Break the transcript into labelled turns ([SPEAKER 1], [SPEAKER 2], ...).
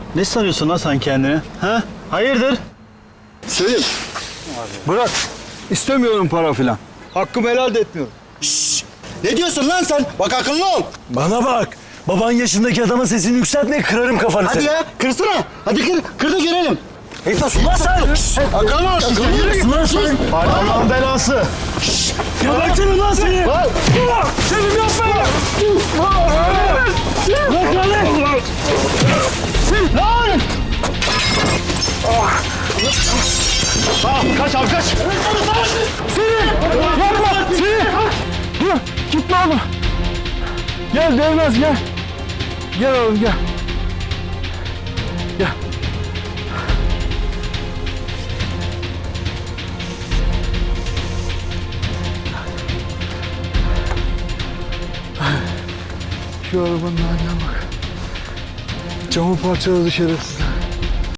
[SPEAKER 1] Ne sanıyorsun lan sen kendini? Ha? Hayırdır?
[SPEAKER 2] Selim. Bırak. İstemiyorum para filan. Hakkımı helal de etmiyorum.
[SPEAKER 3] Ne diyorsun lan sen? Bak akıllı ol.
[SPEAKER 4] Bana bak. Baban yaşındaki adama sesini yükseltme, kırarım kafanı
[SPEAKER 3] Hadi
[SPEAKER 4] seni.
[SPEAKER 3] ya kırsana. Hadi kır da görelim.
[SPEAKER 4] Etmez ulan sen.
[SPEAKER 3] Akıllı ol.
[SPEAKER 4] Yürü lan sen.
[SPEAKER 1] Allah'ın belası.
[SPEAKER 4] Gebertirim lan seni. Selim yapma. Bırak lan.
[SPEAKER 1] Kaç abi kaç.
[SPEAKER 2] Yapma! Selim! Dur! Gitme oğlum! Gel Devnaz gel! Gel oğlum gel! Gel! Şu arabanın haline bak. Camı parçaladı şerefsizler.